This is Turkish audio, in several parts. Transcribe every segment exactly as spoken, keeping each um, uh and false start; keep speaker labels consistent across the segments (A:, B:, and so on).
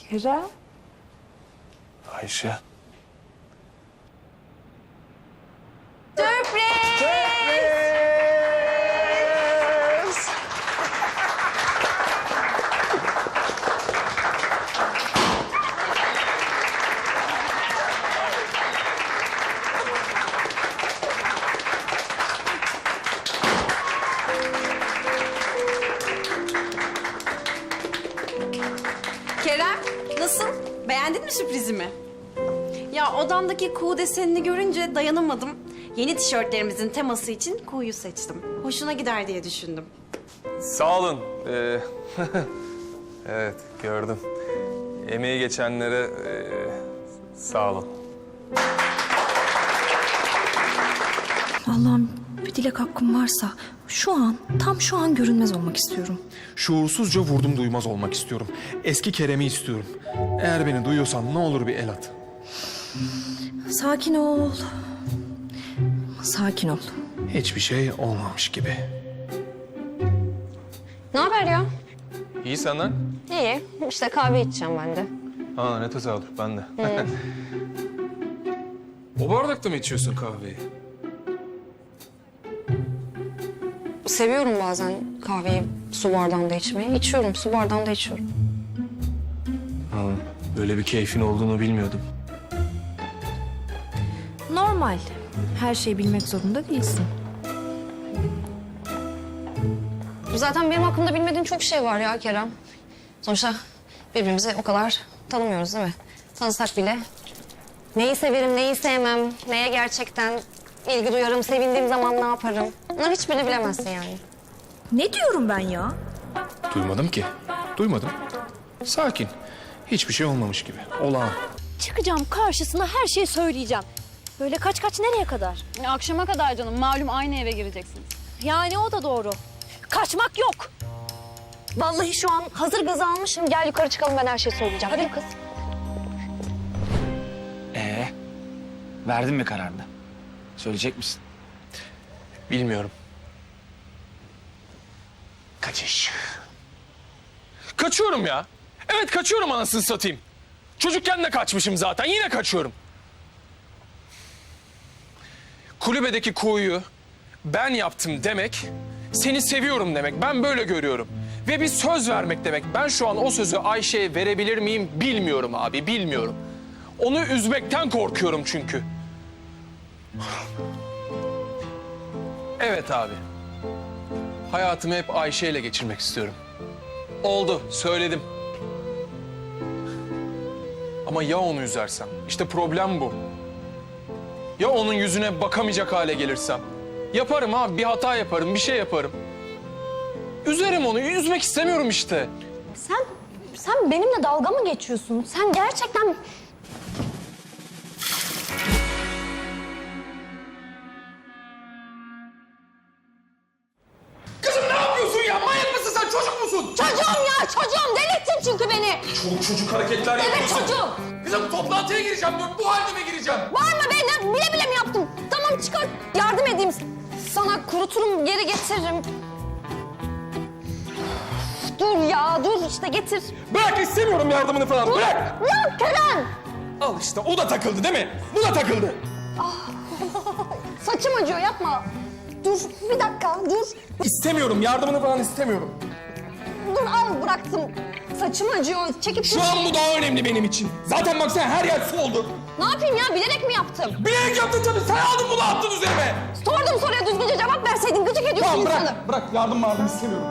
A: Kerem.
B: Ayşe.
A: Sürpriz!
B: Sürpriz!
C: Kerem, nasıl? Beğendin mi sürprizimi? Ya odamdaki kuğu desenini görünce dayanamadım. Yeni tişörtlerimizin teması için kuğuyu seçtim. Hoşuna gider diye düşündüm.
B: Sağ olun. Ee, evet, gördüm. Emeği geçenlere ee, sağ olun.
D: Allah'ım bir dilek hakkım varsa şu an, tam şu an görünmez olmak istiyorum.
E: Şuursuzca vurdum duymaz olmak istiyorum. Eski Kerem'i istiyorum. Eğer beni duyuyorsan ne olur bir el at.
D: Sakin ol. Sakin ol.
E: Hiçbir şey olmamış gibi.
F: Ne haber ya?
B: İyi senden?
F: İyi. İşte kahve içeceğim ben de.
B: Aa, ne tesadüf, ben de.
E: O bardakta mı içiyorsun kahveyi?
F: Seviyorum bazen kahveyi su bardağında içmeyi. İçiyorum, su bardağında içiyorum.
B: Ha, böyle bir keyfin olduğunu bilmiyordum.
D: Normal. Her şeyi bilmek zorunda değilsin.
F: Zaten benim hakkımda bilmediğin çok şey var ya Kerem. Sonuçta birbirimizi o kadar tanımıyoruz değil mi? Tanısak bile neyi severim, neyi sevmem, neye gerçekten ilgi duyarım, sevindiğim zaman ne yaparım. Bunların hiçbirini bilemezsin yani.
D: Ne diyorum ben ya?
E: Duymadım ki. Duymadım. Sakin. Hiçbir şey olmamış gibi. Olağan.
G: Çıkacağım karşısına, her şeyi söyleyeceğim. Böyle kaç kaç nereye kadar?
H: Akşama kadar canım. Malum aynı eve gireceksiniz.
G: Yani o da doğru. Kaçmak yok. Vallahi şu an hazır gazı almışım. Gel yukarı çıkalım, ben her şeyi söyleyeceğim. Hadi kız.
I: Ee, verdin mi kararını? Söyleyecek misin?
B: Bilmiyorum.
I: Kaçış.
B: Kaçıyorum ya. Evet, kaçıyorum anasını satayım. Çocukken de kaçmışım zaten. Yine kaçıyorum. Kulübedeki kuğuyu ben yaptım demek, seni seviyorum demek. Ben böyle görüyorum. Ve bir söz vermek demek. Ben şu an o sözü Ayşe'ye verebilir miyim bilmiyorum abi, bilmiyorum. Onu üzmekten korkuyorum çünkü. Evet abi. Hayatımı hep Ayşe ile geçirmek istiyorum. Oldu, söyledim. Ama ya onu üzersem? İşte problem bu. Ya onun yüzüne bakamayacak hale gelirsem? Yaparım abi, bir hata yaparım, bir şey yaparım. Üzerim onu, üzmek istemiyorum işte.
G: Sen, sen benimle dalga mı geçiyorsun? Sen gerçekten...
B: Kızım ne yapıyorsun ya? Manyak mısın sen? Çocuk musun?
G: Çocuğum ya, çocuğum. Delirttin çünkü beni.
B: Çoluk çocuk hareketler
G: Evet,
B: yapıyorsun.
G: çocuğum.
B: Kızım toplantıya gireceğim, bu, bu halde mi gireceğim?
G: Bağırma be, ne, bile bile mi yaptım? Tamam çıkar, yardım edeyim. Sana kuruturum, geri getiririm. Dur ya, dur işte getir.
B: Bırak, istemiyorum yardımını falan, bırak!
G: Ya Kerem!
B: Al işte, o da takıldı değil mi? Bu da takıldı.
G: Saçım acıyor, yapma. Dur, bir dakika, dur.
B: İstemiyorum, yardımını falan istemiyorum.
G: Dur, al bıraktım. Saçım acıyor, çekip...
B: Şu an bu daha önemli benim için. Zaten baksana her yer su oldu.
G: Ne yapayım ya, bilerek mi yaptım?
B: Bilerek yaptın tabii, sen aldın bunu attın üzerime.
G: Sordum soruya düzgünce cevap verseydin, gıcık ediyorsun
B: Tamam
G: insanı.
B: bırak, bırak. Yardım yardım istemiyorum.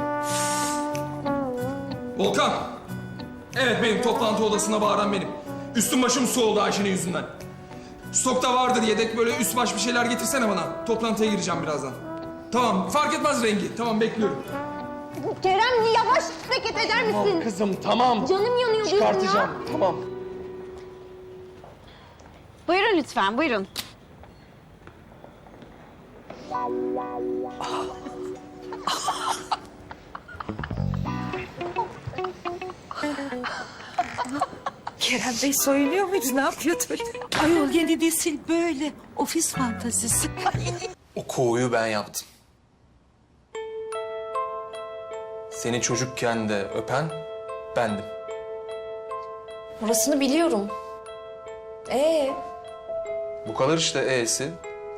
B: Volkan. Evet benim, toplantı odasına bağıran benim. Üstüm başım su oldu Ayşe'nin yüzünden. Stokta vardır yedek, böyle üst baş bir şeyler getirsene bana. Toplantıya gireceğim birazdan. Tamam, fark etmez rengi. Tamam, bekliyorum.
G: Kerem yavaş hareket eder misin?
B: Tamam kızım, tamam.
G: Canım yanıyor diyorum
B: Çıkartacağım,
G: ya.
B: tamam.
C: Buyurun lütfen, buyurun.
A: Kerem Bey soyunuyor muydu? Ne yapıyordu öyle? Ayol yeni nesil böyle. Ofis fantazisi.
B: O kuğuyu ben yaptım. Seni çocukken de öpen bendim.
F: Orasını biliyorum. Ee,
B: Bu kadar işte e'si.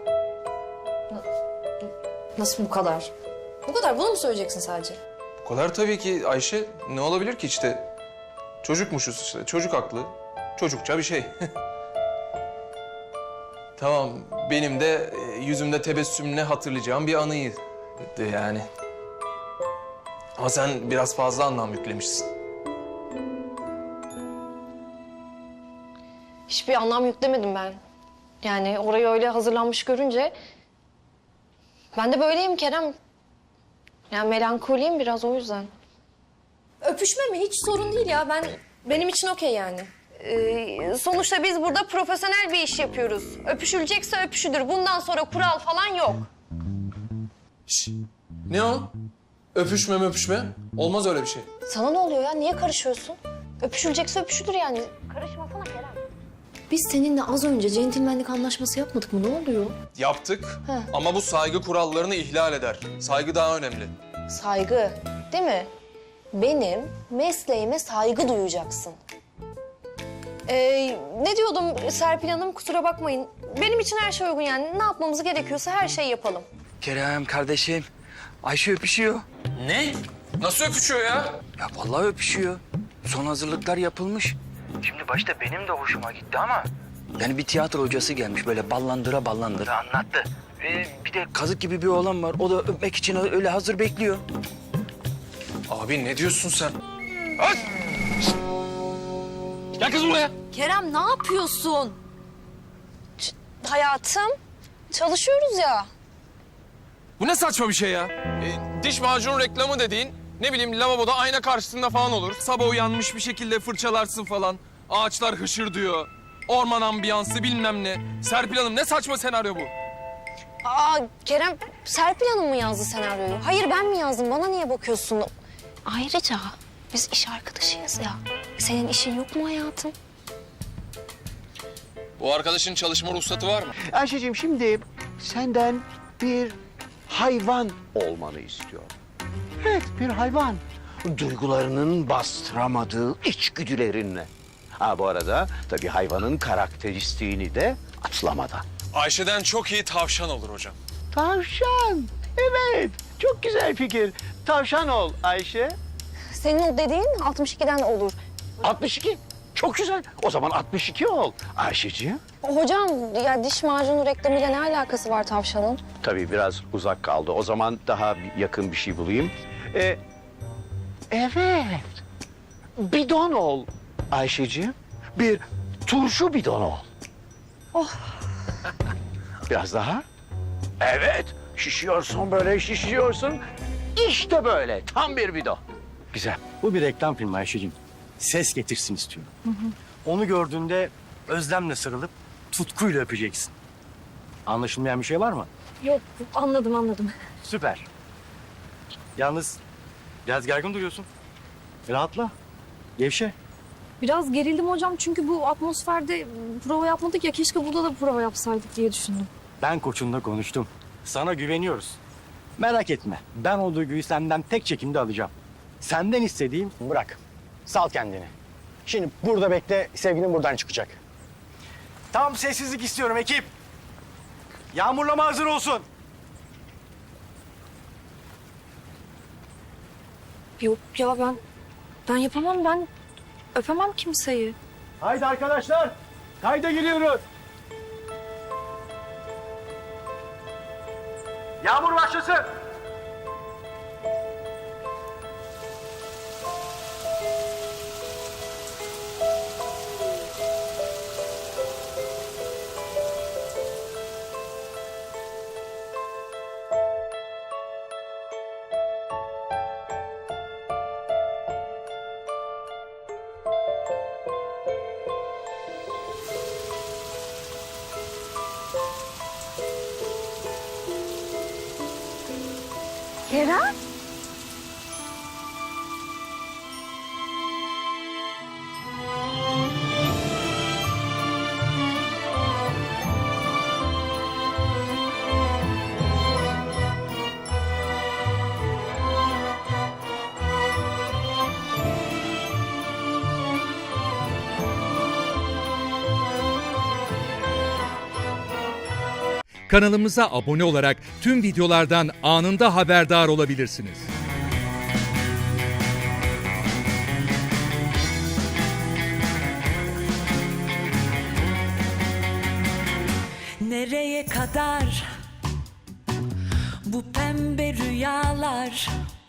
F: nasıl bu kadar? Bu kadar, bunu mu söyleyeceksin sadece?
B: Bu kadar tabii ki Ayşe. Ne olabilir ki işte? Çocukmuşuz işte. Çocuk aklı. Çocukça bir şey. Tamam. Benim de e, yüzümde tebessümle hatırlayacağım bir anıydı yani. Ama sen biraz fazla anlam yüklemişsin.
F: Hiçbir anlam yüklemedim ben. Yani orayı öyle hazırlanmış görünce... Ben de böyleyim Kerem. Yani melankoliyim biraz, o yüzden. Öpüşme mi? Hiç sorun değil ya. Ben benim için okey yani. Ee, sonuçta biz burada profesyonel bir iş yapıyoruz. Öpüşülecekse öpüşülür. Bundan sonra kural falan yok.
B: Şş, ne o? Öpüşme öpüşme. Olmaz öyle bir şey.
F: Sana ne oluyor ya? Niye karışıyorsun? Öpüşülecekse öpüşülür yani. Karışmasana Kerem. Biz seninle az önce centilmenlik anlaşması yapmadık mı? Ne oluyor?
B: Yaptık
F: He.
B: ama bu saygı kurallarını ihlal eder. Saygı daha önemli.
F: Saygı, değil mi? Benim mesleğime saygı duyacaksın. Ee, ne diyordum Serpil Hanım? Kusura bakmayın. Benim için her şey uygun yani. Ne yapmamız gerekiyorsa her şeyi yapalım.
I: Kerem kardeşim, Ayşe öpüşüyor.
B: Ne? Nasıl öpüşüyor ya?
I: Ya vallahi öpüşüyor. Son hazırlıklar yapılmış. Şimdi başta benim de hoşuma gitti ama... Yani bir tiyatro hocası gelmiş böyle ballandıra ballandıra anlattı. Ee, bir de kazık gibi bir oğlan var. O da öpmek için öyle hazır bekliyor.
B: Abi ne diyorsun sen? Aç! Gel kız buraya.
F: Kerem ne yapıyorsun? Ç- hayatım, çalışıyoruz ya.
B: Bu ne saçma bir şey ya? E, diş macunu reklamı dediğin, ne bileyim lavaboda ayna karşısında falan olur. Sabah uyanmış bir şekilde fırçalarsın falan. Ağaçlar hışırdıyor. Orman ambiyansı bilmem ne. Serpil Hanım ne saçma senaryo bu?
F: Aa Kerem, Serpil Hanım mı yazdı senaryoyu? Hayır ben mi yazdım? Bana niye bakıyorsun? Ayrıca biz iş arkadaşıyız ya. Senin işin yok mu hayatım?
B: Bu arkadaşın çalışma ruhsatı var mı?
J: Ayşe'cim şimdi senden bir hayvan olmanı istiyorum. Evet, bir hayvan. Duygularının bastıramadığı içgüdülerinle. Ha bu arada tabii hayvanın karakteristiğini de atlamadan.
B: Ayşe'den çok iyi tavşan olur hocam.
J: Tavşan. Evet, çok güzel fikir. Tavşan ol Ayşe.
F: Senin o dediğin altmış ikiden olur.
J: altmış iki. Çok güzel. O zaman altmış iki ol Ayşeciğim.
F: Hocam ya diş macunu reklamıyla ne alakası var tavşanın?
J: Tabii biraz uzak kaldı. O zaman daha yakın bir şey bulayım. Ee, evet. Bidon ol Ayşeciğim. Bir turşu bidon ol.
F: Oh.
J: Biraz daha. Evet. Şişiyorsun böyle şişiyorsun. İşte böyle. Tam bir bidon.
K: Güzel. Bu bir reklam filmi Ayşe'cim. Ses getirsin istiyorum. Onu gördüğünde özlemle sarılıp tutkuyla öpeceksin. Anlaşılmayan bir şey var mı?
D: Yok anladım anladım.
K: Süper. Yalnız biraz gergin duruyorsun. Rahatla. Gevşe.
D: Biraz gerildim hocam çünkü bu atmosferde prova yapmadık ya, keşke burada da prova yapsaydık diye düşündüm.
K: Ben koçunla konuştum. Sana güveniyoruz. Merak etme. Ben o duyguyu senden tek çekimde alacağım. Senden istediğim bırak. Sal kendini. Şimdi burada bekle, sevgilin buradan çıkacak. Tam sessizlik istiyorum ekip. Yağmurlama hazır olsun.
D: Yok ya ben ben yapamam, ben öpemem kimseyi.
K: Haydi arkadaşlar, kayda giriyoruz. Yağmur başlasın.
D: Kerem?
L: kanalımıza abone olarak tüm videolardan anında haberdar olabilirsiniz.
A: Nereye kadar bu pembe rüyalar?